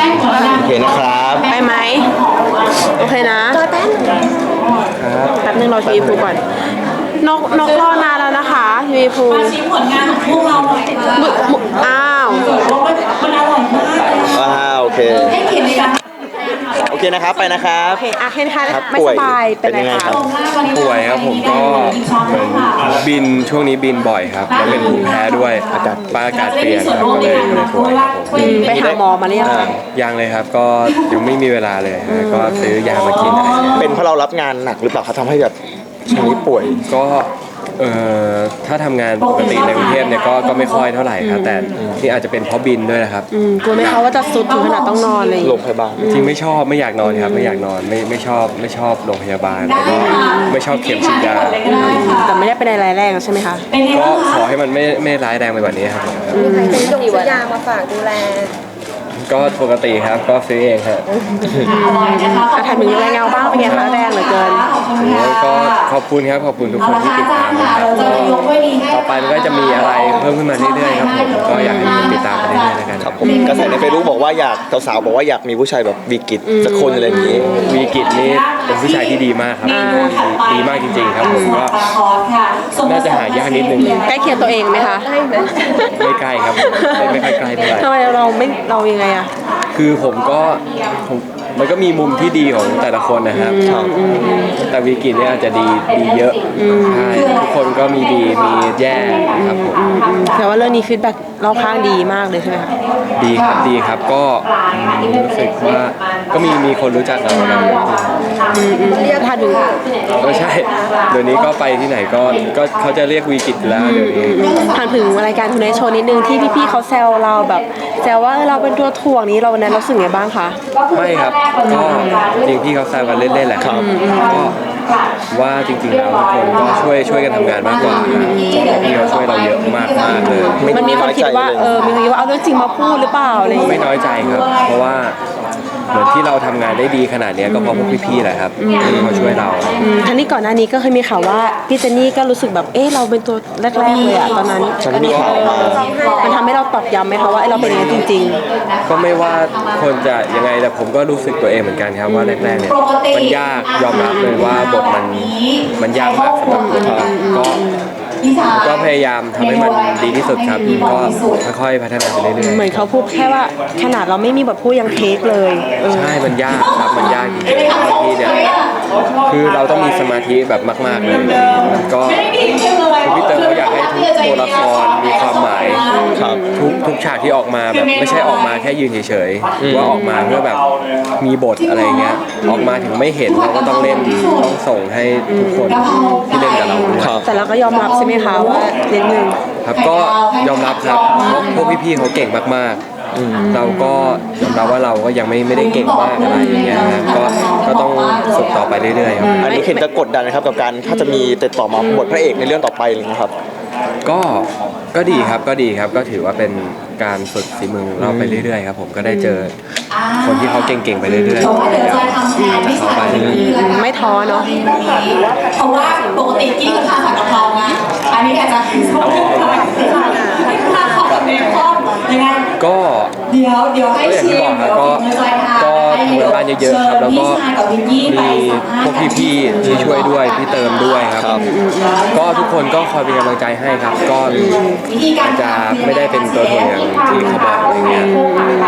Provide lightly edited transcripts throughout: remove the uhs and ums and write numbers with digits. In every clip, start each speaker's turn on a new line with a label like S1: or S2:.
S1: โอเคนะครับ
S2: ไปไหมโอเคนะแป๊บนึงเราทีวีพูก่อนนกรอนานแล้วนะคะทีวีพู
S3: ชิมผลงานของพวกเราหน่อย
S2: อ้าว
S3: มันอร่อยมาก
S1: โอเค
S3: ให้เกียรติในการ
S1: โอเคนะครับไปนะครับ
S2: โอเคเคนค่ะ
S1: ครับ
S2: ไม่สบายเป็นไงคะ
S4: ป่วยครับผมก็เหมือนบินช่วงนี้บินบ่อยครับแล้วเป็นภูมิแพ้ด้วยอากาศเปลี่ยนครับก็เลยป่วยครับผม
S2: ไปหาหมอมาหรือยังคะ
S4: ยังเลยครับก็ยังไม่มีเวลาเลยฮะก็ซื้อยามากินอะไรเงี้ย
S1: เป็นเพราะเรารับงานหนักหรือเปล่าครับทำให้แบบช่วงนี้ป่วย
S4: ก็ถ้าทำงานปกติในกรุงเทพเนี่ยก็ไม่ค่อยเท่าไหร่ครับแต่นี่อาจจะเป็นเพราะบินด้วยนะครับ
S2: กลัวไหมคะว่าจะสุดถึงขนาดต้องนอนเลย
S1: โรงพยาบาล
S4: จริงไม่ชอบไม่อยากนอนครับไม่อยากนอนไม่ชอบโรงพยาบาลแล้วก็ไม่ชอบเข็มฉีดยา
S2: แต่ไม่ได้เป็นอะไรแรงใช่ไหมคะ
S4: ก็ขอให้มันไม่ร้ายแรงไปกว่านี้ครับ
S5: มีใครเป็นส่งยามาฝากดูแล
S4: ก็ปกติครับก็ซื้อเองครับ
S2: ถามถึงแรงเงาบ้างเป็นไงคะแรงเหลือเกิน
S4: ก็ขอบคุณครับขอบคุณทุกคนที่ติดตามนะครับต่อไปมันก็จะมีอะไรเพิ่มขึ้นมาเรื่อยๆครับผมก็อยากให้ทุกคนติดตามกันเรื่อยๆแล้วกัน
S1: ครับผมกระแสในเฟซบุ๊กบอกว่าอยากสาวๆบอกว่าอยากมีผู้ชายแบบวีกิจสักคนอะไรอย่างนี้
S4: วีกิจนี่เป็นผู้ชายที่ดีมากครับดีมากจริงๆครับผมก็น่าจะหายากนิดนึง
S2: ใกล้เคียงตัวเองไหมคะ
S4: ไม่ใกล้ครับไม่ค่อยใกล้เท่าไหร่
S2: ทำไมเรายังไงอะ
S4: คือมันก็มีมุมที่ดีของแต่ละคนนะครับแต่วีกิจเนี่ยอาจจะดีเยอะใช่ทุกคนก็มีดีมีแย่ครับผม
S2: แต่ว่าเรื่องนี้ฟีดแบ็กรอบข้างดีมากเลยใช่ไหมคะ
S4: ดีครับก็รู้สึกว่าก็มีคนรู้จักเราแล้ว
S2: เรียกทันดู
S4: ใช่เดี๋ยวนี้ก็ไปที่ไหนก็เขาจะเรียกวีกิจแล้วเดี๋ยวนี้
S2: ถามถึงรายการทูนไนท์โชว์นิดนึงที่พี่ๆเขาแซวเราแบบแซวว่าเราเป็นตัวถ่วงนี้เราวันนั้นเราสึกไงบ้างคะ
S4: ไม่ครับก็จริงพี่เขาแซวกันเล่นๆแหละครับก็ว่าจริงๆแล้วทุกคนก็ช่วยกันทำงานมากกว่าพี่เขาช่วยเราเยอะมากเลย
S2: มันมีคนคิดว่ามีคนคิดว่าเอาเรื่องจริงมาพูดหรือเปล่าอะไร
S4: ไม่น้อยใจครับเพราะว่าเหมือนที่เราทำงานได้ดีขนาดนี้ก็เพราะพวกพี่ๆแหละครับที่เขาช่วยเรา
S2: ทั้งนี้ก่อนหน้านี้ก็เคยมีข่าวว่าพี่เจนนี่ก็รู้สึกแบบเราเป็นตัวแรกๆเลยอะตอนนั้นมันทำให้เราตอกย้ำไหมคะว่าเราเป็นอย่างนี้จริง
S4: ๆก็ไม่ว่าคนจะยังไงแต่ผมก็รู้สึกตัวเองเหมือนกันครับว่าแรกๆเนี่ยมันยากยอมรับเลยว่าบทมันยากมากสำหรับผมก็พยายามทำให้มันดีที่สุดครับก็ค่อยๆพัฒนาไปเรื่อยๆ
S2: เหมือนเขาพูดแค่ว่าขนาดเราไม่มีบทพูดยังเทคเลย
S4: ใช่มันยากครับมันยากจริงๆบางทีเนี่ยคือเราต้องมีสมาธิแบบมากๆเลยมันก็พี่เตอร์เขาอยากให้ทุกตัวละครมีความหมายทุกฉากที่ออกมาแบบไม่ใช่ออกมาแค่ยืนเฉยๆว่าออกมาเพื่อแบบมีบทอะไรเงี้ยออกมาถึงไม่เห็นเราก็ต้องเล่นต้องส่งให้ทุกคนที่เล่นกับเรา
S2: แต่เราก็ยอมรับใช่ไหมคะว่านิดนึง
S4: ครับก็ยอมรับครับพวกพี่ๆเขาเก่งมากๆเราก็ยอมรับว่าเราก็ยังไม่ได้เก่งมากอะไรอย่างเงี้ยนะก็ต้องฝึกต่อไปเรื่อยๆครับ
S1: อันนี้เห็นจะกดดันนะครับกับการถ้าจะมีติดต่อมาบทพระเอกในเรื่องต่อไปอะไรเงี้ยครับ
S4: ก็ดีครับก็ถือว่าเป็นการฝึกฝีมือเราไปเรื่อยๆครับผมก็ได้เจอคนที่เขาเก่งๆไปเรื่อยๆเขาไป
S2: ไม่ท้อเนาะ
S3: เพราะว่าปกติกิ๊กกับทางผัดกะเพรานะอันนี้อาจจะชอบทานของแบบเบคอนยังไง
S4: ก็
S3: เดี๋ยวให้ชิม
S4: ก็ทำงานบ้านเยอะๆครับแล้วก็มีพวกพี่ๆที่ช่วยด้วยพี่เติมด้วยครับก็ทุกคนก็คอยเป็นกำลังใจให้ครับก็อาจจะไม่ได้เป็นตัวถ่วงอย่างที่เขาบอกอะไรเงี้ย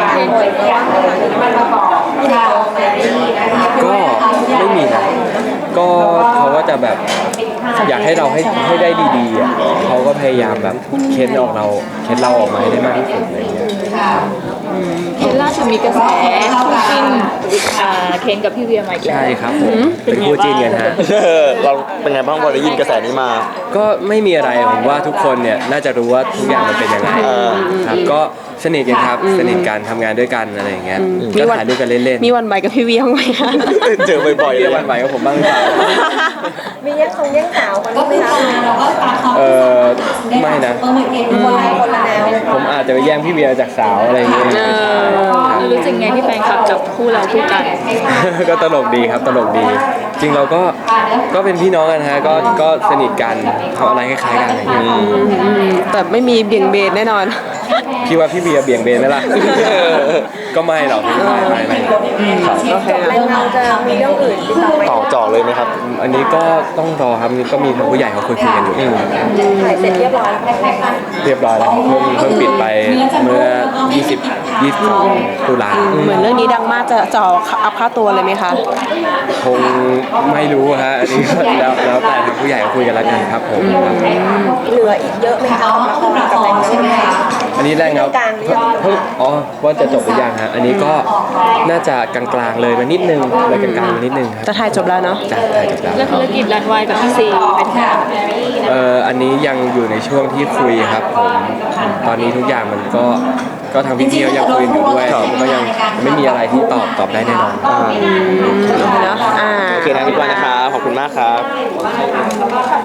S4: ก็ไม่มีนะก็เขาก็จะแบบอยากให้เราให้ได้ดีๆอ่ะเขาก็พยายามแบบเค้นเราออกมาให้ได้มากที่สุดอะไรเงี้ย
S5: เคนล่าสุดมีกระแสคู่จิ้นเคนกับพี่เวียมาอีกแล้ว
S4: ใช่ครับผมเป็นคู่จิ้นกันฮะ
S1: เราเป็นไงบ้างพอได้ยินกระแสนี้มา
S4: ก็ไม่มีอะไรผมว่าทุกคนเนี่ยน่าจะรู้ว่าทุกอย่างมันเป็นยังไงครับก็สนิทกันครับสนิทกันทำงานด้วยกันอะไรอย่างเงี้ยก็ถ่ายด้วยกันเล่น
S2: ๆมีวันใบกับพี่เวียบ้างไหมคะ
S1: เจอบ่อยๆ
S4: เลยวันใบกับผมบ้างหรือเปล่า
S5: มีแย่งสาวกันไหมคะ
S4: ไม่นะ
S5: คนละแนว
S4: ผมอาจจะไปแย่งพี่เวียจากสาวอะไรอย่างเงี้ย
S5: รู้สึกไงที่แฟนคลับจับคู่เราคู่กัน
S4: ก็ตลกดีครับตลกดีจริงเราก็เป็นพี่น้องกันฮะก็สนิทกันทำอะไรคล้ายๆกันอะไรอย่างเงี้ย
S2: แต่ไม่มีเบี่ยงเบนแน่นอน
S4: พี่ว่าพี่เบียร์เบี่ยงเบนไหมล่ะ ก็ไม่หรอกไม่ครับ
S2: โอเคนะ
S5: เราจะมีเรื่องอื่นติดต่อไหม
S1: ต่อจ่อเลยไหมครับ
S4: อันนี้ก็ต้องรอครับนี่ก็มีทางผู้ใหญ่เขาคุยกันอยู่
S5: ถ่ายเสร็จเรียบร้อยแล้ว
S4: เรียบร้อยแล้วเพิ่งปิดไปเมื่อ 22 ตุลา
S2: เหมือนเรื่องนี้ดังมากจะจ่ออัพค่าตัวเลยไหมคะ
S4: คงไม่รู้ฮะอันนี้ก็แล้วแต่ทางผู้ใหญ่เขาคุยกันแล้วกันครับผมครับ
S5: เหลืออีกเยอะไหมคะ
S3: เอาคู่ละครใช่ไหมคะ
S4: อันนี้แรงเงาเพิ่งว่าจะจบหรือยังฮะอันนี้ก็น่าจะกลางๆเลยมานิดนึงเลยกลางๆมานิดนึงครับ
S2: จะถ่ายจบแล้วเนาะ
S4: จะถ่ายจบแล้ว
S5: แล้วธุรกิจรันวายกับพี่ซีเป็นไง
S4: อันนี้ยังอยู่ในช่วงที่คุยครับผมตอนนี้ทุกอย่างมันก็ทางพี่ๆเขายังคุยอยู่ด้วยก็ยังไม่มีอะไรที่ตอบได้แน่นอน
S2: โอเคเนาะ
S1: โอเคนะทุกคนนะครับ ขอบคุณมากครับ